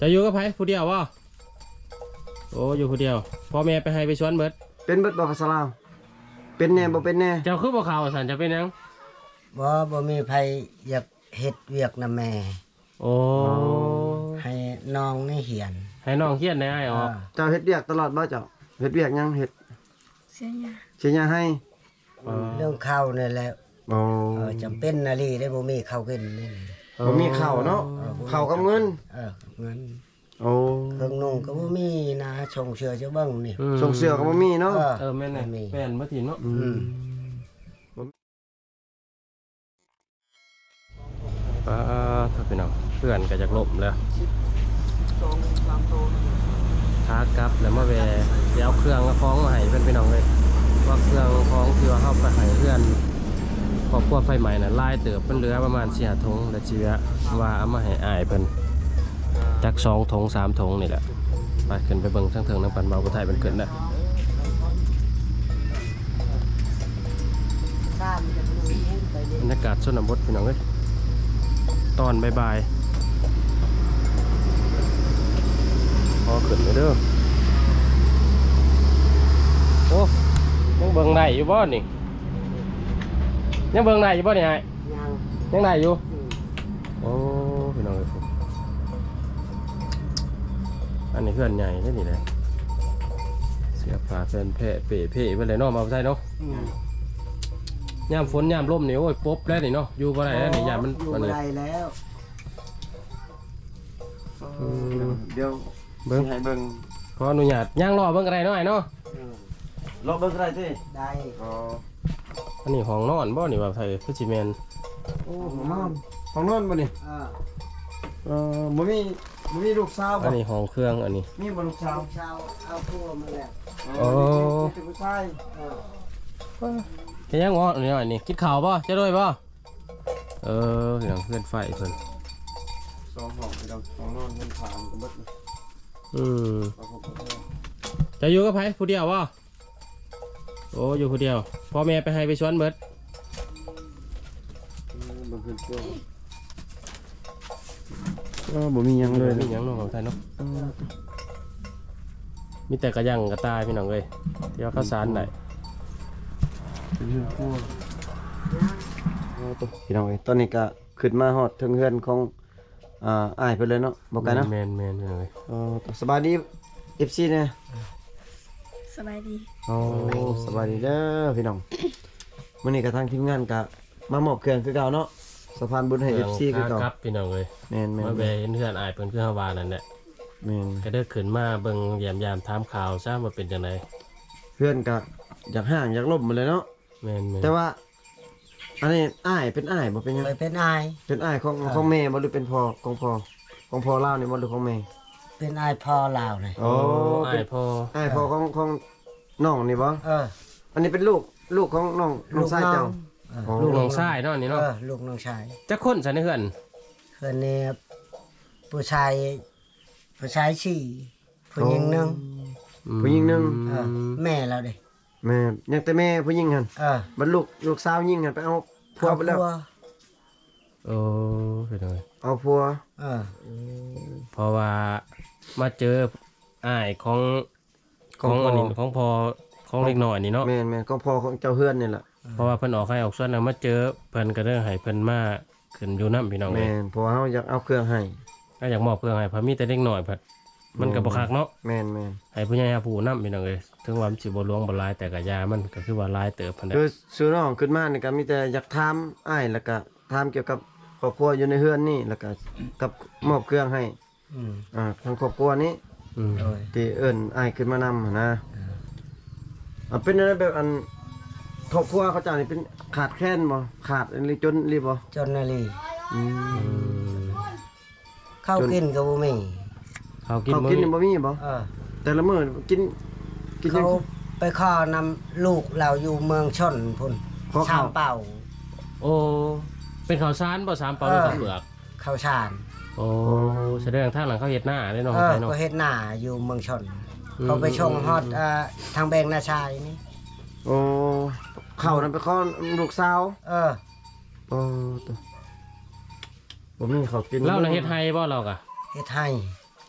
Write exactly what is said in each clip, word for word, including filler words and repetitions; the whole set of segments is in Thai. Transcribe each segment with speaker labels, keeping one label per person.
Speaker 1: จะอยู่กับไผผู้เดียวบ่โอ้อยู่ผู้เดียวพ่อแม่ไปให้ไปสวนเบิด
Speaker 2: เป็นเบิดบ่ภาษาลาวเป็นแน่บ่เป็นแน่
Speaker 1: เจ้าคือบ่เข้าซั่นจะเป็นหยัง
Speaker 3: บ่บ่มีไผอยากเฮ็ดเวียกนำแม่
Speaker 1: โอ้
Speaker 3: ให้น้องนี่เหียน
Speaker 1: ให้น้องเฮียนได้อ้ายออก
Speaker 2: เจ้าเฮ็ดเวียกตลอดบ่เจ้าเฮ็ดเวียกยังเฮ็ด
Speaker 4: เสียยา
Speaker 2: เสียยาให้
Speaker 3: เรื่องข้าวนี่แหละ
Speaker 2: อ๋อ
Speaker 3: เออจำเป็นนาลีได้บ่มีข้าวกินนี่
Speaker 2: บ่มีข้าวเนาะข้าวกับเงิน
Speaker 3: เออเงิน
Speaker 2: โอ้
Speaker 3: เครื่องนุ่งก็บ่มีนะชงเชือเจ้าเบิ่งนี่
Speaker 2: ส่งเสื้อก็บ่มีเนาะ
Speaker 1: เออแม่นแหละแม่นบ่ถินเนาะอืมป้าถ้าพี่น้องเพื่อนก็จากลบแล้วขากลับแล้วมาแวะเดี๋ยวเครื่องคล้องมาให้เพื่อนพี่น้องเลยว่าเครื่องคล้องที่ว่าเข้าไปให้เพื่อนครอบครัวไฟใหม่น่ะลายเติบเป็นเรือประมาณสี่ถุงและชีวะว่าเอามาให้อายเพิ่นจากสองถุงสามถุงนี่แหละไปขึ้นไปเบิ่งทั้งเทิงน้ำปั่นเบาผู้ไทยเป็นเกินได้บรรยากาศชนบทพี่น้องเลยตอนบ่ายๆพอขึ้นไปเด้อโอ้ยังเบิ่งได้อยู่บ่นี่ยังเบิ่งได้อยู่บ่นี่ไอ้ยังยังได้อยู่โอ้พี่น้องเลยอันนี้เพื่อนใหญ่แค่นี้เลยเสียผ้าแฟนเพะเป๋เป๋ไปเลยเนาะมาใช่เนาะยามฝนยามลมนี่โอ้ยป๊บแล้วนี่เนาะอยู่บ่ได้แล้วนี่ยามมัน
Speaker 3: อยู่บ่ได้แล้ว
Speaker 2: เดี๋ยว
Speaker 1: เบิ่ง
Speaker 2: ให้เบิ่ง
Speaker 1: ขออนุญาตย่างรอเบิ่งอะไรหน่อยเนาะ
Speaker 2: รอเบิ่งได้ติ
Speaker 3: ได้
Speaker 2: อ๋อ
Speaker 1: อันนี้ห้องนอนบ่นี่ว่าไทยคือสิแม่น
Speaker 2: โอ้ห้องนอนห้องนอนบ่นี่
Speaker 3: อ่า
Speaker 2: เอ่อบ่มีบ่มีลูกสาวบ่
Speaker 1: อันนี้ห้องเครื่องอันนี้
Speaker 2: มีบ่ลูกสาว
Speaker 3: ลูกสาวเอาผัวมาแล้ว
Speaker 1: โอ้
Speaker 2: เป็นผู้ชาย
Speaker 3: เออ
Speaker 1: เฮ็ดยังงอนี่อันนี้กินข้าวบ่จะด้วยบ่เออเรื่องเพื่อนไฟเพิ่น
Speaker 2: สองห้องพี่น้องห้องนอนเงินผ่านก็เบิด
Speaker 1: อืมจะอยู่กับไผผู้เดียวบ่โอ้อยู่ผู้เดียวพ่อแม่ไปให้ไปสวนเบิด
Speaker 2: บ่ขึ้นตัวก็บ่มีหยังเลย
Speaker 1: มีหยังเนาะของไทยเนาะมีแต่กระยังกระตายพี่น้องเอ้ยที่ว่าข้าวสารได้
Speaker 2: พี่น้องเอ้ยตอนนี้ก็ขึ้นมาฮอดถึงเฮือนของอ่าอ้ายเพิ่นเลยเนาะบ่ไกลเนาะ
Speaker 1: แม่นๆพี่น้องเอ้ย
Speaker 2: เออสบายดี เอฟ ซี เนี่ย
Speaker 4: สบายดี
Speaker 2: โอ้สบายดีเด้อพี่น้องมื้อนี้ก็ทางทีมงานก็มามอบเครื่องคือเก่าเนาะสะพานบุญให้ เอฟ ซี คือเก่า
Speaker 1: ครับพี่น้องเอ้ย
Speaker 2: แม่นๆ
Speaker 1: มาแวะเห็นเฮือนอ้ายเพิ่นคือเฮาว่านั่นแหละ
Speaker 2: แม่น
Speaker 1: ก็เด้อขึ้นมาเบิ่งยามๆถามข่าวซะว่าเป็นจังได๋
Speaker 2: เพื่อนก็อยากห่างอยากลบหมดเลยเนาะ
Speaker 1: แม่นๆ
Speaker 2: แต่ว่าอันนี้อ้ายเป็นอ้ายบ่เป็นหยัง
Speaker 3: ไปเป็นอาย
Speaker 2: เป็นอ้ายของของแม่บ่หรือเป็นพ่อของพ่อของพ่อลาวนี่บ่หรือของแม่
Speaker 3: เป็นอายพ่อลาวนี่
Speaker 2: โอ้
Speaker 1: อ้ายพ่อ
Speaker 2: อ้ายพ่อของของน้องนี่บ่
Speaker 3: เออ
Speaker 2: อันนี้เป็นลูกลูกของน้องน้องชายเจ้า
Speaker 1: ลูกน้องชายเนาะนี่เนาะ
Speaker 3: เออลูกน้องชาย
Speaker 1: จักคนซะในเฮือน
Speaker 3: เฮือนนี่ผู้ชายผู้ชายสี่ผู้หญิงหนึ่ง
Speaker 2: ผู้หญิงหนึ่ง
Speaker 3: เออแม่เราดิ
Speaker 2: แม่ยังแต่แม่ผู้หญิงหั่น
Speaker 3: เออ
Speaker 2: บัดลูกลูกสาวยิงหั่นไปเอาผัวไปแล้ว
Speaker 1: โอ้ไปเลย
Speaker 2: เอาผัว
Speaker 3: เออ
Speaker 1: เพราะว่ามาเจออ้ายของของอันนี้ของพ่อของเล็กน้อยนี่เนาะ
Speaker 2: แม่นๆของพ่อของเจ้าเฮือนนี่แหละ
Speaker 1: เพราะว่าเพิ่นออกให้ออกส่วนแล้วมาเจอเพิ่นก็เด้อให้เพิ่นมาขึ้นอยู่นำพี่น้อง
Speaker 2: แม่นเพราะว่าเฮาอยากเอาเครื่องให้
Speaker 1: ก็อยากมอบเครื่องให้เพราะมีแต่เล็กน้อยเพิ่นมันก็บ่คักเนาะ
Speaker 2: แม่นๆ
Speaker 1: ให้ผู้ใหญ่ผู้นำพี่น้องเอ้ยถึงว่ามันสิบ่หลวงบ่หลายแต่ก็ยามันก็คือว่าหลายเติบเพิ่นได้
Speaker 2: คือซื้อน้องขึ้นมานี่ก็มีแต่อยากถามอ้ายแล้วก็ถามเกี่ยวกับครอบครัวอยู่ในเฮือนนี่แล้วก็กับมอบเครื่องให้
Speaker 3: อืม
Speaker 2: อ่าทางครอบครัวนี้
Speaker 1: อืม
Speaker 2: ที่เอิ้นอ้ายขึ้นมานำนะอ่าเป็นอะไรแบบอันครอบครัวเขาเจ้านี่เป็นขาดแคลนบ่ขาดอะไรจนรีบ่
Speaker 3: จนนาลี
Speaker 2: อืม
Speaker 3: ข้าวกินก็บ่มี
Speaker 1: ข้าวกิน
Speaker 2: ข้าวกินบ่มีบ่
Speaker 3: เออ
Speaker 2: แต่ละมื้อกินกิน
Speaker 3: เขาไปขอนำลูกเราอยู่เมืองชนพุ่นชามเป่า
Speaker 1: โอ้เป็นข้าวสารบ่สามเป่าหรือข้าวเปลือก
Speaker 3: ข้าวสาร
Speaker 1: โอ้แสดงทางหลังเขาเฮ็ดหน้าได้เนาะ
Speaker 3: เออก็เฮ็ดหน้าอยู่เมืองชนเขาไปชงฮอดอ่าทางแบงนาชายนี่
Speaker 2: โอ้เข้านั่นไปขอลูกสาว
Speaker 3: เออ
Speaker 2: โอ้ตัวบ่มีข้าวกิน
Speaker 1: เราน่ะเฮ็ดให้บ่เราก็
Speaker 3: เฮ็ดให้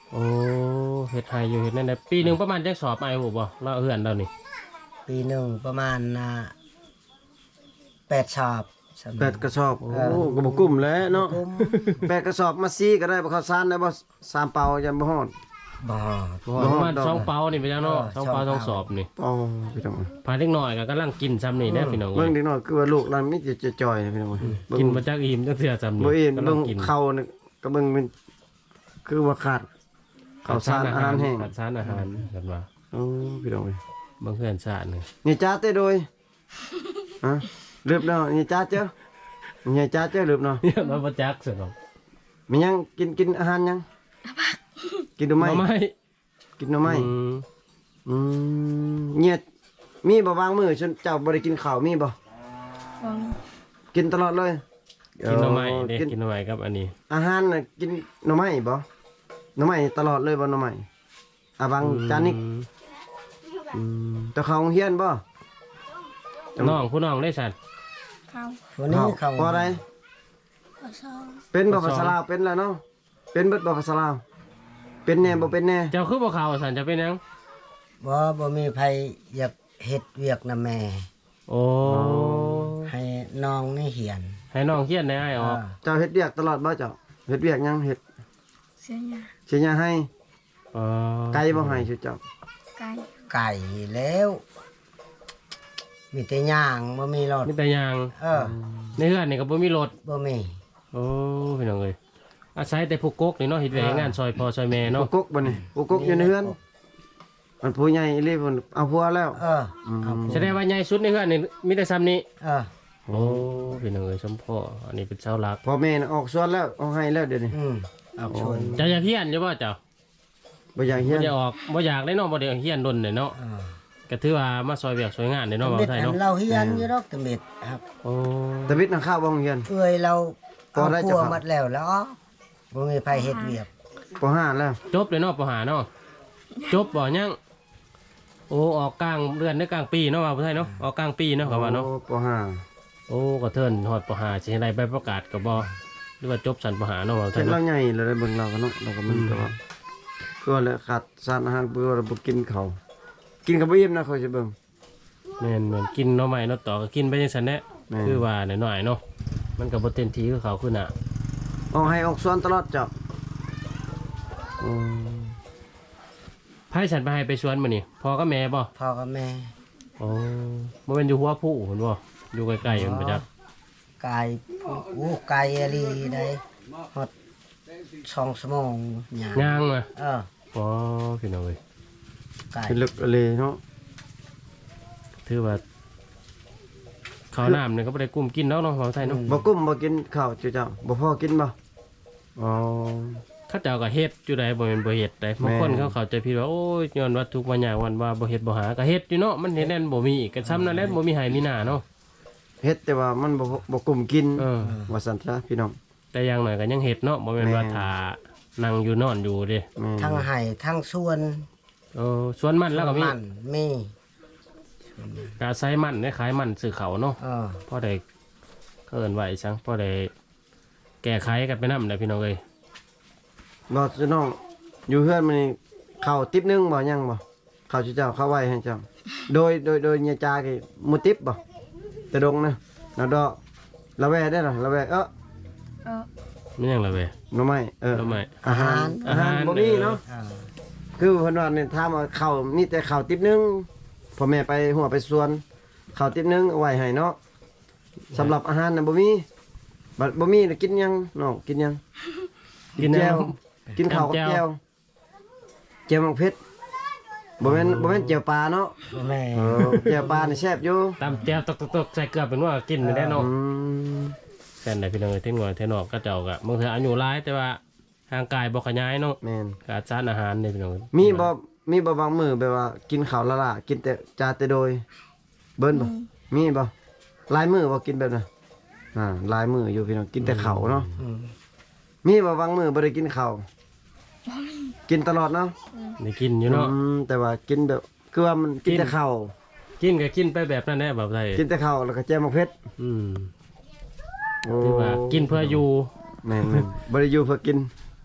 Speaker 1: โอ้เฮ็ดไห้อยู่เฮ็ดนั่นได้ปีหนึงประมาณจักสอบไอ้หูบ่เราเฮือนเรานี่
Speaker 3: ปีหนึ่งประมาณอ่าแปดชอบสำหรับ
Speaker 2: แปดกระสอบโอ้ก็บ่กุ้มแล้วเนาะ
Speaker 3: กุ้ม
Speaker 2: แปดกระสอบมาซีก็ได้บ่ข้าวสารได้บ่สามเปายังบ่ฮอด
Speaker 3: บ่
Speaker 1: บ่ประมาณสองเปานี่ไปจังเนาะ
Speaker 3: เออ
Speaker 1: สองเปา
Speaker 3: ส
Speaker 1: ส
Speaker 3: อ
Speaker 1: อง ง
Speaker 3: เปา
Speaker 1: สอบนี่
Speaker 2: อ๋อพี่น้อง
Speaker 1: พาเด็กน้อยก็กำลังกินซ้ำนี่แน่พี่น้อง
Speaker 2: เบิ่งเด็กน้อยคือว่าลูกเรามีแต่จ่อยๆนะพี่น้องเบิ่ง
Speaker 1: กินมาจากอิ่มจักเทื่อซ้ำนี่
Speaker 2: บ่อิ่ม
Speaker 1: กำลั
Speaker 2: เบิ่
Speaker 1: ง
Speaker 2: ง
Speaker 1: กิน
Speaker 2: เข้านี่ก็เบิ่งเป็นคือว่าขาดข้าวสารอาหารแห้ง
Speaker 1: ขาดสารอาหารกันว่า
Speaker 2: โอ้พี่น้องเอ้ย
Speaker 1: บางเพื่อนชาตินี่
Speaker 2: นี่จ้าเต้โดยฮะลืบเนาะนี่จ้าเจ้านี่จ้าเจ้าลืบเนาะ
Speaker 1: เนี่ยมาบ่จักสิเนาะ
Speaker 2: มียังกินกินอาหารยังกินหน่อ
Speaker 1: ห
Speaker 2: ไม้
Speaker 1: น่อไม้
Speaker 2: กินหน่อไม้
Speaker 1: อืม
Speaker 2: อืมเนี่ยมีบ่วางมือฉันเจ้าบ่ได้กินข้าวมีบ่
Speaker 4: บ่มี
Speaker 2: กินตลอดเลย
Speaker 1: กินหน่อไม้เด้
Speaker 2: กิน
Speaker 1: กินหน่อไม้กับอันนี้
Speaker 2: อาหารน่ะกินหน่อไม้บ่หน่อไม้ตลอดเลยบ่หน่อไม้อ่ะบางจานนิก
Speaker 1: อืม
Speaker 2: อืมเจ้าเข้าโรงเรียนบ่
Speaker 1: น้องผู้น้องได้สัตว์
Speaker 4: เข้า
Speaker 3: วันนี้เขา
Speaker 2: พอได้
Speaker 4: ขอชอบ
Speaker 2: เป็นบ่ภาษาลาวเป็นแล้วเนาะเป็นเบิดบ่ภาษาลาวเป็นแน่บ่เป็นแน่
Speaker 1: เจ้าคือบ่เข้าสันจะเป็นหยัง
Speaker 3: บ่บ่มีไผอยากเฮ็ดเวียกนำแม่
Speaker 1: โอ้
Speaker 3: ให้น้องนี่เหียน
Speaker 1: ให้น้องเขียนได้ออก
Speaker 2: เจ้าเฮ็ดเวียกตลอดบ่เจ้าเฮ็ดเวียกหยังเฮ็ด
Speaker 4: เสียยา
Speaker 2: สิหยังให้
Speaker 1: อ๋อ
Speaker 2: ไกลบ่ให้ชื่อเจ้า
Speaker 4: ไก่
Speaker 3: ไก่แล้ว มีแต่ย่างบ่มีรถ
Speaker 1: มีแต่ยาง
Speaker 3: เออ
Speaker 1: ในเฮือนนี่ก็บ่มีรถ
Speaker 3: บ่มี
Speaker 1: โอ้พี่น้องเอ้ยอาศัยแต่ผู้กกนี่เนาะเฮ็ดเวียกเฮ็ดงานซอยพ่อซอยแม่
Speaker 2: อุ
Speaker 1: เนาะ
Speaker 2: กกบ่นี่อุกกอยู่ในเฮือนมันผู้ใหญ่อีหลีเพิ่นเอาผัวแล้ว
Speaker 3: เออเอา
Speaker 1: แสดงว่าใหญ่สุดในเฮือนนี่มีแต่ซ้ำนี้
Speaker 3: เออ
Speaker 1: โอ้พี่น้องเอ้ยสมพ่ออันนี้เป็นเสาหลัก
Speaker 2: พ่อแม่น่ะออกสวนแล้วออกให้แล้วเดี๋ยวนี้
Speaker 3: อืมเอาชน
Speaker 1: เจ้าอยากเฮียนอยู่บ่เจ้า
Speaker 2: บ่อยากเฮีย
Speaker 1: บ่
Speaker 2: น
Speaker 1: อยากออกบ่อยากได้เนาะบ่ได้เฮียนดนเนาะ
Speaker 3: เออ
Speaker 1: ก็ถือว่ามาซอยเวียกซอยงานเนาะบ่าว
Speaker 3: เม็ด
Speaker 1: ไทย
Speaker 3: อั
Speaker 1: เนาะ
Speaker 3: นเราเฮียนอยู่ดอกตะเม็ดครับ
Speaker 1: โอ้
Speaker 2: ตะวิทย์น่ะข้าวบ่โรงเรียน
Speaker 3: เอ้ยเรา
Speaker 2: พอ
Speaker 3: เอา
Speaker 2: ได้
Speaker 3: ครั
Speaker 2: จะ
Speaker 3: ว
Speaker 2: ครับ
Speaker 3: หมดแล้วแล้วบ่มีไผเฮ็ดเวียก
Speaker 2: ปห้าแล้ว
Speaker 1: จบเลยเนาะปหาเนาะจบบ่ยังโอ้ออกกลางเดือนหรือกลางปีเนาะว่าบ่าวไทยเนาะออกกลางปีเนาะก็ว่าเนาะ
Speaker 2: โอ้ปห้า
Speaker 1: โอ้ก็เทินฮอดปหาสิให้ได้ใบประกาศก็บ่หรือว่าจบสันปหาเนาะว่าบ่าวไท
Speaker 2: เฮ็
Speaker 1: ย
Speaker 2: ดเรา
Speaker 1: เนาะ
Speaker 2: ใหญ่แล้วได้เบิ่งเรากันเนาะเราก็มันแต่ว่าคือว่าแหละขาดสารอาหารเพื่อเราบ่กินข้าวกินก็บ่อิ่มนะเขาสิเบิ่ง
Speaker 1: แม่นแม่นกินเนาะใหม่เนาะต่อก็กินไปจังซั่นแหละ
Speaker 2: แม่น
Speaker 1: คือว่าหน่อยๆเนาะมันก็บ่เต็มที่คือเขาคือน่ะ
Speaker 2: ออกให้ออกสวนตลอดเจ้าอืม
Speaker 1: ไผฉันไปให้ไปสวนมื้อนี้พ่อกับแม่บ่
Speaker 3: พ่อกับแม่
Speaker 1: โอ้บ่แม่นอยู่หัวผู้เพิ่นบ่อยู่ใกล้ๆเพิ่นบ่จัก
Speaker 3: ไก่โอ้ไก่อลีได้ฮอดสองชั่วโมงย่าง
Speaker 1: ย่างมา
Speaker 3: เออ
Speaker 1: อ๋อพี่น้องเอ้ย
Speaker 3: ไก่
Speaker 2: เป็นลึกอะไรเนาะ
Speaker 1: ถือว่าข้าวน้ำเนี่ยก็บ่ได้กุ้มกินแล้วเนาะของไทยเนาะ
Speaker 2: บ่กุ้มบ่กินข้าวเจ้าเจ้าบ่พอกินบ่อ๋อ
Speaker 1: เข้าเจ้าก็เฮ็ดอยู่ใดบ่แม่นบ่เฮ็ดได้บางคน
Speaker 2: แม่น
Speaker 1: เขาเข้าใจผิดว่าโอ้ยย้อนว่าทุกข์ว่าหยังวันว่าบ่เฮ็ดบ่หาก็เฮ็ดอยู่เนาะมันเฮ็ดแน่นบ่มีก็ซ้ำนั่นแหละบ่มีให้มีหน้าเนาะ
Speaker 2: เฮ็ดแต่ว่ามันบ่บ่กุ้มกิน
Speaker 1: เออ
Speaker 2: ว่าซั่นซะพี่น้อง
Speaker 1: แต่อย่างหน่อยก็ยังเฮ็ดเนาะบ่แม่นว่า
Speaker 2: แม่น
Speaker 1: ถ้านั่งอยู่นอนอยู่เด้
Speaker 2: แม่น
Speaker 3: ทั้งไห้ทั้งสวน
Speaker 1: เออสวนมันแล้วก็มี
Speaker 3: มันมี
Speaker 1: ก็อาศัยมันได้ขายมันซื้อเขาเนาะ
Speaker 3: เออ
Speaker 1: พอได้เอิ้นไว้จังพอได้แก้ไขกันไปนำได้พี่น้องเอ้ย
Speaker 2: บ่พี่น้องอยู่เฮือนมื้อนี้ข้าวติ๊บหนึงบ่ยังบ่ข้าวเจ้าเจ้าข้าวไว้ให้เจ้าโดยโดยโดยเนียจากี่หมูติ๊บบ่แต่ดงนะนาดอกละแวได้ล่ะละแวเอ้อ
Speaker 4: เออ
Speaker 1: มันยังล่ะเว้ย
Speaker 2: หน่อไม้เออ
Speaker 1: หน่อไม้
Speaker 2: อาหารอาหารบ่มีเนาะ
Speaker 3: เออ
Speaker 2: คือเพิ่นว่าเนี่ยถ้ามว่าข้าวมีแต่ข้าวติ๊บหนึงพ่อแม่ไปหัวไปสวนข้าวติ๊บหนึงเอาไว้ให้เนาะสำหรับอาหารน่ะบ่มีบัดบ่มีน่ะกินหยังน้องกินหยัง
Speaker 1: กิน
Speaker 2: แจ่ว
Speaker 1: น้ำ
Speaker 2: กินข้าวกับ
Speaker 1: แจ่ว
Speaker 2: แจ่วแจ่วมังเผ็ดบ่แม่นบ่แม่นแจ่วปลาเนาะ
Speaker 3: แม่
Speaker 2: เออแจ่วปลานี่แซ่บอยู่
Speaker 1: ตำแจ่วตกๆๆใส่เกลือเป็นว่ากินได้เนาะ
Speaker 2: อืม
Speaker 1: แค่ไหนพี่น้องเอ้ยเท่งหน่อยเท่นอกก็เจ้าก็บางเทื่ออายุหลายแต่ว่าร่างกายบ่ขยายเนาะ
Speaker 2: แม่น
Speaker 1: ขาดสารอาหารนี่พี่น้อง
Speaker 2: มีบ่มีบ่บางมื้อแบบว่ากินข้าวละล่ะกินแต่จาแต่โดย เบิ่นบ่มีบ่หลายมื้อบ่กินแบบนั้นอ่าหลายมื้ออยู่พี่น้องกินแต่ข้าวเนาะ
Speaker 3: อืม
Speaker 2: มีบ่บางมื้อบ่ได้กินข้าวกินตลอดเนาะ
Speaker 1: ได้กินอยู่เนาะ
Speaker 2: อืมแต่ว่ากินแบบคือว่ามันกิน
Speaker 1: กิน
Speaker 2: แต่ข้าว
Speaker 1: กินก็กินไปแบบนั้นแหละแบบไทย
Speaker 2: กินแต่ข้าวแล้วก็แจ่วมังเผ็ด
Speaker 1: อืม
Speaker 2: โอ้
Speaker 1: คือว่ากินเพื่ออยู่
Speaker 2: แม่นๆบ่ได้อยู่เพื่อกิน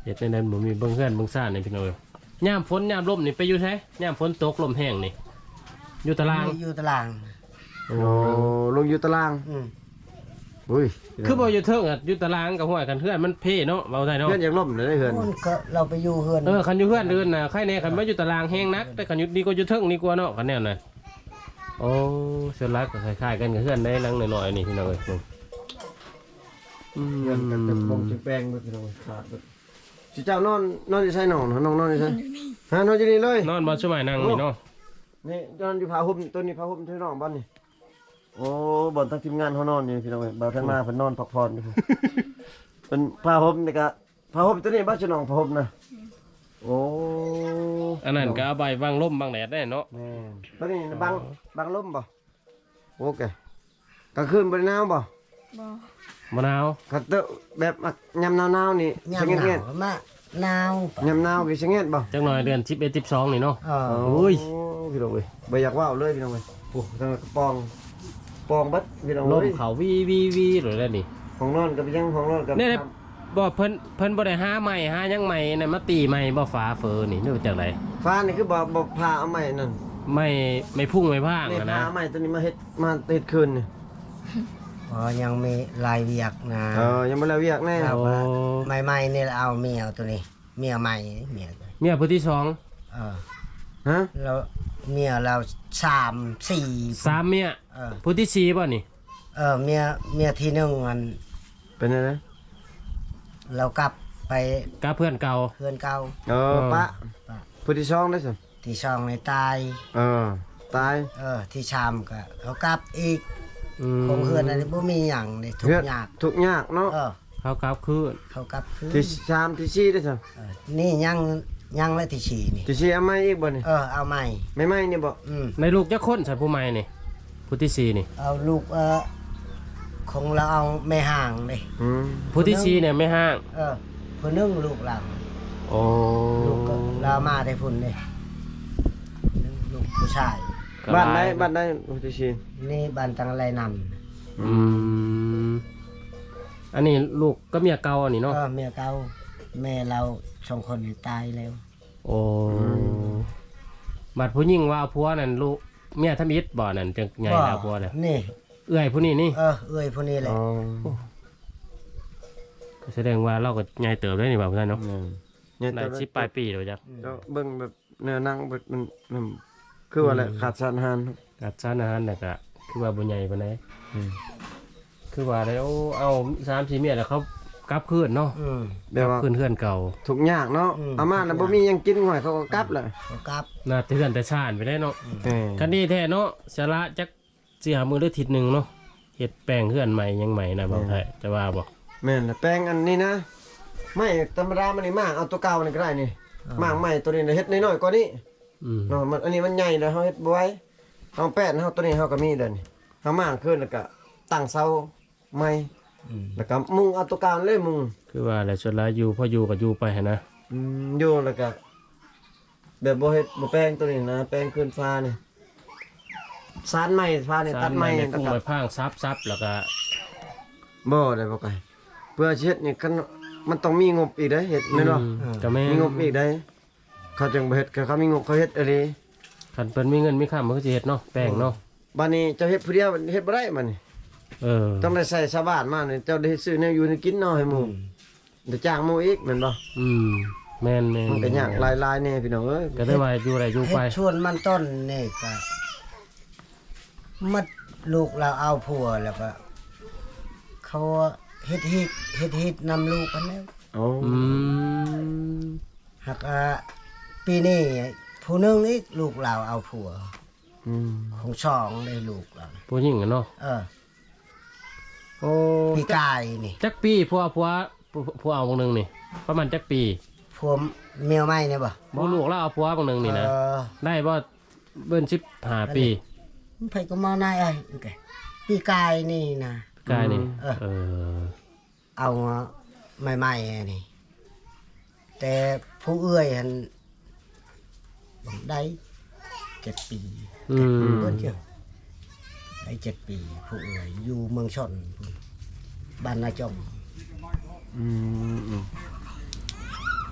Speaker 1: เฮ็ดในนั้นบ่มีเบิ่งเฮือนเบิ่งซ่านนี่พี่น้องเอ้ยยามฝนยามลมนี่ไปอยู่ไสยามฝนตกลมแห้งนี่อยู่ตาราง
Speaker 3: อยู่ตาราง
Speaker 1: โอ้
Speaker 2: โอ้ลงอยู่ตาราง
Speaker 3: อืม
Speaker 2: อุ้ย
Speaker 1: คือบ่อยู่เทิงอะอยู่ตารางกับห้วยกันเฮือนมันเพ่เนาะเว้าได้เนาะ
Speaker 2: เพื่อนอยากล่มเลยได้เฮือน
Speaker 3: มันก็เราไปอยู่เฮือน
Speaker 1: เออคันอยู่เฮือนเดินน่ะใครแน่คันมาอยู่ตารางแห้งนักแต่คันอยู่ดีก็อยู่เทิงนี่กว่าเนาะคันแนวน่ะโอ้ส่วนหลักก็คล้ายๆกันกับเฮือนได้หลังน้อยๆนี่พี่น้องเอ้ยอืม
Speaker 2: เฮือนกันเป็นปงจิแปลงเบิดพี่น้องขาดเบิดสิเจ้านอนนอนอยู่ไสนอนน้องนอนอยู่ไสฮะนอนอยู่นี่เลย
Speaker 1: นอนบ่สมัยนั่งนี่เนาะ
Speaker 2: นี่นอนอยู่ผ้าห่มตัวนี้ผ้าห่มที่น้องบ้านนี่โอ้บ่อนทั้งทีมงานเขานอนอยู่พี่น้องเอ้ยบ่าวท่านมาเพิ่นนอนพักผ่อนอยู่ เป็นผ้าห่มนี่ก็ผ้าห่มตัวนี้บ่สิน้องผ้าห่มนะโอ้
Speaker 1: อันนั้นก็เอาใบวางลมบางแดดได้เนาะ
Speaker 2: แม่นตัวนี้บังบังลมบ่โอเคกลางคืนบ่ได้หนาวบ่
Speaker 4: บ่
Speaker 1: มะนาว
Speaker 2: คันเตอะแบบยามหนาวๆนี่
Speaker 3: ยา
Speaker 2: สิ
Speaker 3: ม
Speaker 2: เงี
Speaker 3: ห
Speaker 2: ย
Speaker 3: นาวมาหนาว
Speaker 2: ๆยามหนาวก็สิเงียบบ่
Speaker 1: จักหน่อยเดือนสิบเอ็ด สิบสองนี่เนาะ
Speaker 3: เออ
Speaker 1: โอ้ย
Speaker 2: พี่น้องเอ้ยบ่อยากว่าวเลยพี่น้องเอ้ยโอ้ทางกระปองปองเบัดพี่น้อง
Speaker 1: ลม
Speaker 2: เอ้ย
Speaker 1: เขาวีวีวีหรืออะไรนี่
Speaker 2: ห้องนอนกับยังห้องนอนกับ
Speaker 1: นี่ได้บ่เพิ่นเพิ่นบ่ได้หาใหม่หาหยังใหม่น่ะมาตีใหม่บ่ฟ้าเฟอนี่นึกจากไร
Speaker 2: ฟ้านี่คือบ่บ่พาเอาใหม่นั่น
Speaker 1: ไม่ไม่พุ่งไม่พ่าง
Speaker 2: นี่
Speaker 1: อะ
Speaker 2: พา
Speaker 1: นะ
Speaker 2: เอาใหม่ตัวนี้มาเฮ็ดมาเฮ็ดคืนนี่
Speaker 3: อ๋อยังมีลายเวียกนะ
Speaker 2: เออยังบ่แล้วเวียกแน่
Speaker 3: ครับ
Speaker 1: โอ้
Speaker 3: ใหม่ๆนี่เอาเมียตัวนี้ เมียใหม่เมียตัวนี้
Speaker 1: เมียผู้ที่สอง
Speaker 3: เออ
Speaker 2: ฮะ
Speaker 3: แล้วเมียเราสามสี่
Speaker 1: สามเมีย
Speaker 3: เออ
Speaker 1: ผู้ที่สี่บ่นี่
Speaker 3: เออเมียเมียที่หนึ่งมัน
Speaker 2: เป็นไงนะ
Speaker 3: เรากลับไป
Speaker 1: กับเพื่อนเก่า
Speaker 3: เพื่อนเก่า
Speaker 2: เออปะ
Speaker 3: ปะ
Speaker 2: ผู้ที่สองได้สิ
Speaker 3: ที่ช่องในตาย
Speaker 2: เออตาย
Speaker 3: เออ ที่ชามก็เขากลับอีก
Speaker 1: อืม
Speaker 3: คงเฮือนอันนี้บ่มีหยังเลยทุก
Speaker 2: เฮือด
Speaker 3: อยาก
Speaker 2: ทุกข์ยากเนาะ
Speaker 3: เออ
Speaker 1: เขากลับคืน
Speaker 3: เขากลับคืน
Speaker 2: ที่สามที่สี่ได้สิ
Speaker 3: เออนี่ยังยังและที่ฉี่นี่
Speaker 2: ที่สี่เอาใหม่อีกบ่นี่
Speaker 3: เออเอาใหม่
Speaker 2: ไม่ใหม่นี่บ่
Speaker 3: อืม
Speaker 1: ในลูกจักคนสันผู้ใหม่นี่ผู้ที่สี่นี่
Speaker 3: เอาลูกเออคงเราเอาไม่ห่างเลย
Speaker 2: อืม
Speaker 1: ผู้ที่สี่เนี่ยไม่ห่าง
Speaker 3: เออผู้หนึงลูกเรา
Speaker 1: โอ้
Speaker 3: ลูกก็เรามาได้พุ่นเลยหนึ่งลูกผู้ชาย
Speaker 1: ก็
Speaker 2: บ้าน
Speaker 1: ห
Speaker 2: ใด
Speaker 1: ลย
Speaker 2: บ้านใดผู้ที่สี่
Speaker 3: นี่บ้านตังไรน
Speaker 1: อืมอันนี้ลูกก็เมียเก่าอันนี้
Speaker 3: ำ
Speaker 1: เนาะ
Speaker 3: ก็เมียเก่าแม่เราสองคนนี่ตายแล้ว
Speaker 1: โอ้บัดผู้หญิงว่าเอาผัวนั่นลูกเมียทำอิฐบ่นั่นจังไงแล้วผัวน่ะ
Speaker 3: นี่
Speaker 1: เอื้อยผู้นี้นี่
Speaker 3: เออเอ้ยผู้นี้แหละ
Speaker 2: อ๋อ
Speaker 1: ก็แสดงว่าเราก็ใหญ่เติบได้นี่บ่าวท่านเนาะ
Speaker 2: อืมเนี่ย
Speaker 1: ได้
Speaker 2: แต่
Speaker 1: สิบปลายปีแล้วจ้ะ
Speaker 2: เจ้าเบิ่งแบบแนวนั่งแบบมันมันคือว่าอะไรขาดสารอาหาร
Speaker 1: กัดซ่านอาหารน่ะก็คือว่าบ่ใหญ่ปานใด
Speaker 2: อืม
Speaker 1: คือว่าได้เอาเอาสามสี่เมียแล้วเขากลับคืนเนาะ
Speaker 3: อืม
Speaker 2: แบบว่า
Speaker 1: คืนเฮือนเก่า
Speaker 2: ทุกข์ยากเนาะ
Speaker 3: อืม
Speaker 2: อาม่าน่ะบ่มีหยังกินหอยเขาก็กลับเลย
Speaker 3: เขากลับ
Speaker 1: น่าเทือนแต่ชาญไปได้เนาะ
Speaker 2: เออ
Speaker 1: คันนี้แท้เนาะสาระจักสิหามือหรือทิศหนึงเนาะเฮ็ดแปลงเฮือนใหม่ยังใหม่นะบ่าวไทยจะว่าบ่
Speaker 2: แม่นน่ะแป้งอันนี้นะไม่ธรรมดามันนี่มากเอาตัวเก่านี่ก็ได้นี่มากใหม่ตัวนี้น่ะเฮ็ดน้อยๆกว่านี้
Speaker 1: อืม
Speaker 2: เนาะมันอันนี้มันใหญ่แล้วเฮาเฮ็ดบ่ไหวเฮาแป้นเฮาตัวนี้เฮาก็มีเด้อนี่เฮามากขึ้นแล้วก็ตั้งเสาใหม่
Speaker 3: อืม
Speaker 2: แล้วก็มุงเอาตัวเก่าเลยมุง
Speaker 1: คือว่าแหละส่วนหลายอยู่พออยู่ก็อยู่ไปหั่นนะ
Speaker 2: อืมอยู่แล้วก็แบบบ่เฮ็ดบ่แป้งตัวนี้นะแป้งขึ้นฟ้านี่สานไม้ฟ้านี่ตัดไม้
Speaker 1: ใน
Speaker 2: แล้ว
Speaker 1: พุ่ง
Speaker 2: ก็
Speaker 1: ไปพางซับซับแล้วก็
Speaker 2: บ่ได้บ่ไกลเพื่อสิเฮ็ดนี่คันมันต้องมีงบอีกเด้เฮ็ดแม่นบ่
Speaker 1: อืมก็แม่
Speaker 2: มีงบอีกได้เขาจึงบ่เฮ็ดก็เขามีงบเขาเฮ็ดอะไร
Speaker 1: คันเพิ่นมีเงินมีค่ามันก็สิเฮ็ดเนาะแป้งเนาะ
Speaker 2: บัดนี้เจ้าเฮ็ดผู้เดียวเฮ็ดบ่ได้บัดนี้
Speaker 1: เออ
Speaker 2: ต้องได้ใส่ชาวบ้านมานี่เจ้าได้ซื้อแนวอยู่ให้กินเนาะให้หมู่ได้จ้างหมู่อีกแม่นบ่
Speaker 1: อืมแม่นแม่น
Speaker 2: มันก็ยากหลายๆแน่พี่น้องเอ้ย
Speaker 1: ก็ได้ว่าอยู่ได้อยู่
Speaker 3: เฮ็
Speaker 1: ไป
Speaker 3: ดชวนมันต้นนี่ก็มัดลูกเราเอาผัวแล้วก็เขาเฮ็ดฮิตเฮ็ดฮิตนำลูกกันแล้ว
Speaker 2: โอ้
Speaker 1: อืม
Speaker 3: หากอ่าปีนี้ผู้หนึงอีกลูกเราเอาผัว
Speaker 2: อืม
Speaker 3: ของสองได้ลูกเรา
Speaker 1: ผู้หญิงอะเนาะ
Speaker 3: เออ
Speaker 1: โอ้
Speaker 3: ปีกายนี่
Speaker 1: จักปีผัวผัวผัวเอาบางหนึงนี่ ประมาณจักปี
Speaker 3: ผัวเมียใหม่เนี่ยบ่
Speaker 1: บ่ลูกแล้วเอาผัวบางหนึงนี่นะ
Speaker 3: เออ
Speaker 1: ได้บ่เบิ้นสิบห้าปี
Speaker 3: ไผก็มานายเอ้ยโอเคปีกายนี่นะ
Speaker 1: กายนี่
Speaker 3: เออ
Speaker 1: เออ
Speaker 3: เอาใหม่ๆนี่ แต่ผู้เอื้อยหันได้เจ็ดปี
Speaker 1: อืม
Speaker 3: เพิ่นเจ้าได้เจ็ดปี ผู้เอื้อยอยู่เมืองชนพุ่นบ้านนาจอม
Speaker 2: อืมอืม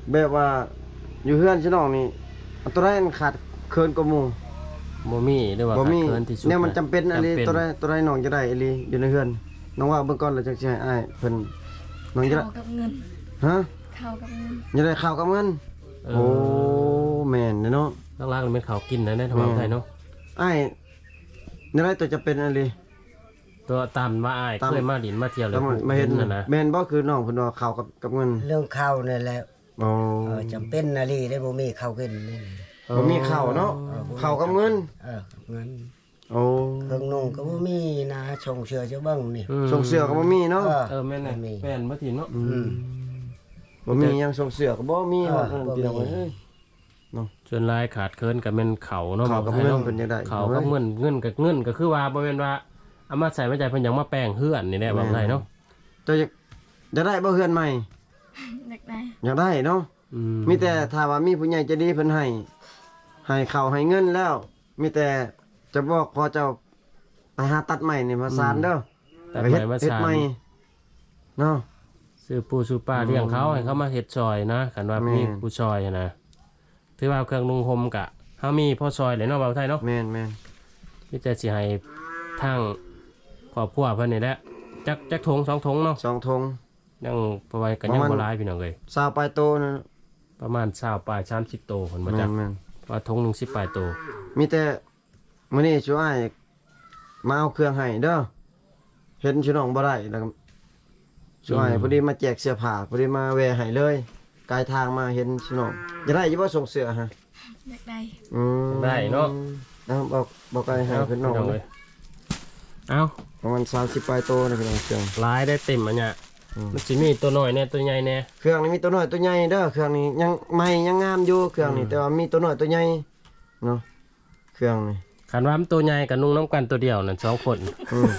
Speaker 2: แบบว่าอยู่เฮือนชิน้องนี่อันตัวใดอันขาดเคินกว่าหมู่
Speaker 1: บ่มีหรือว่า
Speaker 2: บ่
Speaker 1: ขาด
Speaker 2: มี
Speaker 1: เคินที่สุด
Speaker 2: เนี่ยมันจำเป็นอะไร
Speaker 1: จำเป็น
Speaker 2: ตัวใดตัวใดน้องจะได้อีหลีอยู่ในเฮือนน้องว่าเบิ่งก่อนแล้วจังสิให้อ้ายเพิ่นน้องจะได้
Speaker 4: เข้ากับเงิน
Speaker 2: ฮะ
Speaker 4: เข้ากับเงิน
Speaker 2: จะได้ข้าวกับเงิน
Speaker 1: เอ
Speaker 2: โอ้แม่นเนาะ
Speaker 1: ล่างๆนี่เป็นข้าวกินนะในทางฝั่งไทยเนาะ
Speaker 2: อ้ายนี่ได้ตัวจะเป็นอะไร
Speaker 1: ตัวตามว่าอ้าย
Speaker 2: ตาม
Speaker 1: เคยมาดินมาเที่ยวแล้
Speaker 2: แล้ว วมันมาเห็น
Speaker 1: น่ะนะ
Speaker 2: แม่นบ่คือน้องเพิ่นว่าข้าวกับกับเงิน
Speaker 3: เรื่องข้าวนี่แหละ
Speaker 2: อ๋อ
Speaker 3: เออจำเป็นนาลีได้บ่มีข้าวกินนี่
Speaker 2: บ่มีข้าวเนาะข้าวกับเงิน
Speaker 3: เออเงิน
Speaker 2: โอ้
Speaker 3: เครื่องนุ่งก็บ่มีนะชงเชือจะเบิ่งนี่
Speaker 1: ม
Speaker 2: ส่งเสื้อก็บ่มีเนาะ
Speaker 3: เออ
Speaker 1: เออแม่นน่ะ
Speaker 3: บ่มี
Speaker 1: แม่นบ่ถิ่นเนาะ
Speaker 2: อืมบ่มีหยังส่งเสื้อก็บ่มี
Speaker 3: เออ
Speaker 2: ว่าเออ
Speaker 3: บ่มี
Speaker 2: พี่น้องเอ้ย
Speaker 1: ส่วนหลายขาดเคินก็แม่นเขาเนาะ
Speaker 2: ข้าวกับ
Speaker 1: ฝั่งไทย
Speaker 2: เงิน
Speaker 1: เนาะ
Speaker 2: เพิ่นจะได้
Speaker 1: เขาก็เงินเงินกับเงินก็คือว่าบ่แม่นว่าเอามาใส่มาใจเพิ่นหยังมาแปลงเฮือนนี่แหละฝั่งไทยเนาะ
Speaker 2: เจ้าอยากจะได้บ่เฮือนใหม่
Speaker 4: อยากได้
Speaker 2: อยากได้เนาะ
Speaker 1: อื
Speaker 2: มีแต่ถ้าว่ามีผู้ใหญ่ใจะดีเพิ่นให้ให้ข้าวให้เงินแล้ว มีแต่จะบอกพอเจ้าไปหาตัดใหม่นี่มาสานเด้อ
Speaker 1: แต่
Speaker 2: ไป
Speaker 1: ให
Speaker 2: เฮ็
Speaker 1: ม่
Speaker 2: ด
Speaker 1: มา
Speaker 2: เฮ็ด
Speaker 1: สาน
Speaker 2: ใหม่เนาะ
Speaker 1: ซื้อปูซื้อปลาเลี้ยงเขาให้เขามาเฮ็ดซอยนะคันว่า
Speaker 2: แม่น
Speaker 1: มีผู้ซอยนะถือว่าเครื่องนุ่งห่มกะเฮามีพ่อซอยเลยเนาะบ่าวไทยเนาะ
Speaker 2: แม่นแม่น
Speaker 1: ที่จะสิให้ทางครอบครัวเพิ่นนี่แหละจักจักถุงสองถุงเนาะ
Speaker 2: สองธง
Speaker 1: ยังประมาณกันยัง
Speaker 2: ประมาณ
Speaker 1: บ่หลายพี่น้องเอ้ย
Speaker 2: สาวปลายโตนั่น
Speaker 1: ประมาณ20ปลายสามสิบโตเพิ่นบ่
Speaker 2: แม่
Speaker 1: จัก
Speaker 2: นแม่น
Speaker 1: ว่าถุงหนึงสิบปลายโต
Speaker 2: มีแต่มื้อนี้ช่วยมาเอาเครื่องให้เด้อเห็นชิน้องบ่ได้แล้วก็ช่วยพอดีมาแจกเสื้อผ้าพอดีมาแวะให้เลยกายทางมาเห็นชิน้องจะได้อยู่บ่ส่งเสื้อฮะ
Speaker 4: อยากได้
Speaker 2: อืม
Speaker 1: ได้เนาะ
Speaker 2: เอาบอกบอกไอ้ให้เพิ่นน้อง
Speaker 1: พี่
Speaker 2: เลย
Speaker 1: เอ้า
Speaker 2: ประมาณสามสิบปลายโตนะพี่น้องเครื่อง
Speaker 1: หลายได้เต็มอันเนี้ย
Speaker 2: อืม
Speaker 1: มันสิมีตัวน้อยแน่ตัวใหญ่แน่
Speaker 2: เครื่องนี้มีตัวน้อยตัวใหญ่เด้อเครื่องนี้ยังใหม่ยังงามอยู่เครื่องนี้แต่ว่ามีตัวน้อยตัวใหญ่เนาะเครื่องนี้
Speaker 1: คันว่ามันตัวใหญ่กับนุ่งน้ำกันตัวเดียวนั่นสองคน
Speaker 2: อืม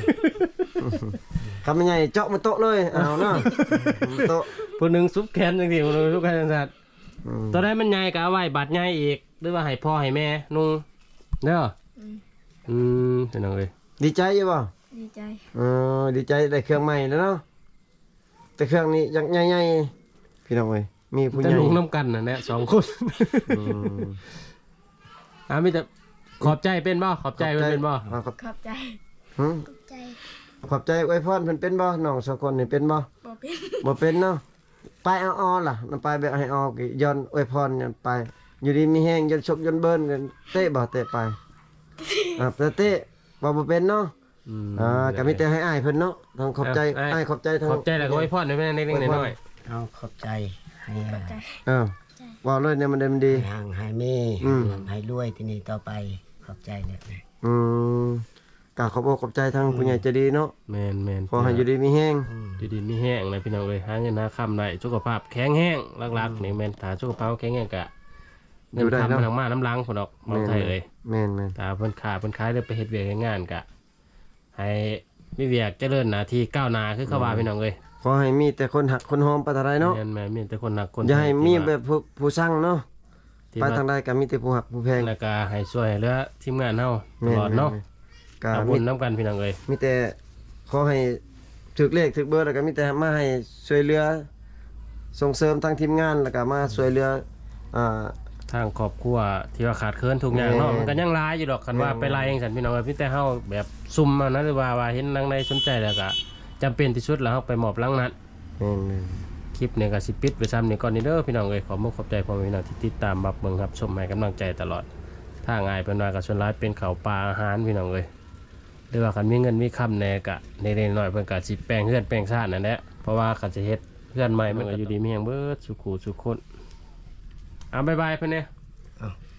Speaker 2: คำมันใหญ่เจาะมาโต๊ะเลยเอาเนาะโต๊ะ
Speaker 1: ผู้หนึงซุปแขนจังซี่ผู้หนึงซุปแขนจังซั่น
Speaker 2: อืม
Speaker 1: ตัวใดมันใหญ่ก็เอาไว้บัดใหญ่อีกหรือว่าให้พ่อให้แม่นุ่งเด้อ
Speaker 4: อืม
Speaker 1: อืมเป็นจังได๋
Speaker 2: ดีใจอยู่บ่
Speaker 4: ดีใจ
Speaker 2: เออดีใจได้เครื่องใหม่แล้วเนาะแต่เครื่องนี้ยังใหญ่ๆพี่น้องเอ้ยมีผู้ให
Speaker 1: แต่
Speaker 2: ญ่
Speaker 1: นุ่งน้ำกันน่ะแหละสองคน
Speaker 2: อืม
Speaker 1: อ่ามีแต่ขอบใจเป็นบ่ขอบใจเพิ่นเป็นบ่
Speaker 2: อ่าขอบ
Speaker 4: ขอบใจ
Speaker 2: หึ
Speaker 4: ขอบใจ
Speaker 2: ขอบใจอวยพรเพิ่นเป็นบ่น้องสองคนนี่เป็นบ่
Speaker 4: บ่เป็น
Speaker 2: บ่เป็นเนาะไปเอาออล่ะมันไปแบบให้ออกอีกย้อนอวยพรย้อนไป อยู่ดีมีแห้งย้อนชกย้อนเบิ้นกันเตะบ่เตะไปอ่าแต่เตะบ่บ่เป็นเนาะ
Speaker 1: อืม
Speaker 2: อ่าก็มีแต่ให้อ้ายเพิ่นเนาะทั้งขอบใจ
Speaker 1: เอ้า
Speaker 2: อ้ายขอบใจทั้ง
Speaker 1: ขอบใจแล้วก็ไว้พรให้แม่เล็กๆน้อย
Speaker 3: เอาขอบใจให้
Speaker 4: ขอบใจ
Speaker 2: เออว่าเลยเนี่ยมันได้มันดี
Speaker 3: ให้ห่างให้มี
Speaker 2: อืม
Speaker 3: ให้รวยที่นี่ต่อไปขอบใจเนี่ยนะ
Speaker 2: อืมก็ขอบอกขอบใจทั้งผู้ใหญ่ใจดีเนาะ
Speaker 1: ๆแม่นๆ
Speaker 2: ขอให้อยู่ดีมีแห้ง
Speaker 3: อืม
Speaker 1: อยู่ดีมีแห้งเลยพี่น้องเอ้ยหาเงินหาค่ำได้สุขภาพแข็งแรงหลักๆนี่แม่นถ้าสุขภาพแข็งแรงก็เงินคำมันทางมาน้ำลังพุ่นดอกเมืองไทยเอ้ย
Speaker 2: แม่นแม่น
Speaker 1: ถ้าเพิ่นขาเพิ่นขายได้ไปเฮ็ดเวียกเฮ็ดงานก็ให้มีเวียกเจริญหน้าที่ก้าวหน้าคือเขาว่าพี่น้องเอ้ย
Speaker 2: ขอให้มีแต่คนหักคนหอมไปทางใดเนาะ
Speaker 1: แม่นแม่นมีแต่คนหนักคน
Speaker 2: อย่าให้มี
Speaker 1: ที่ว่า
Speaker 2: แบบผู้ผู้สั่งเนาะ
Speaker 1: ที่
Speaker 2: ไป
Speaker 1: ว่า
Speaker 2: ทางใดก็มีแต่ผู้หักผู้แพง
Speaker 1: แล้วก็ให้ช่วยเหลือทีมงานเฮาต
Speaker 2: แม่น
Speaker 1: ลอดเนาะ
Speaker 2: แม่นก็
Speaker 1: เอาบุ
Speaker 2: มี
Speaker 1: ญนํกันพี่น้องเอ้ย
Speaker 2: มีแต่ขอให้ถึกเลขถึกเบอร์แล้วก็มีแต่มาให้ช่วยเหลือส่งเสริมทางทีมงานแล้วก็มาช่วยเหลืออ่า
Speaker 1: ทางครอบครัวที่ว่าขาดเคินทุกอย่างเนาะ
Speaker 2: แม่น
Speaker 1: มันก็ยังหลายอยู่ดอกคันว่า
Speaker 2: แม่น
Speaker 1: ไปไล่จังซั่นพี่น้องเอ้ยพี่แต่เฮาแบบซุ่มเอานะหรือว่าว่าเห็นนางใดสนใจแล้วก็จำเป็นที่สุดแล้วเฮาไปมอบรางนัด
Speaker 2: แม่นแม่น
Speaker 1: คลิปเนี่ยก็สิปิดไปซ้ำนี่ก่อนนี่เด้อพี่น้องเอ้ยขอมุกขอบใจพ่อแม่พี่น้องที่ติดตามรับเบิ่งครับชมให้กำลังใจตลอดถ้าง่ายเป็นว่าก็ส่วนร้ายเป็นข้าวปลาอาหารพี่น้องเอ้ยหรือว่าคันมีเงินมีคำแหน่ก็เล็กๆน้อยๆเพิ่นก็สิแปลงเฮือนแปลงชาตินั่นแหละเพราะว่าคันสิเฮ็ดเฮือนใหม่มันก็อยู่ดีมีหยังเบิดสุขุสุขคนเอาบ๊ายบายเพิ่นเนี่ย
Speaker 3: เอา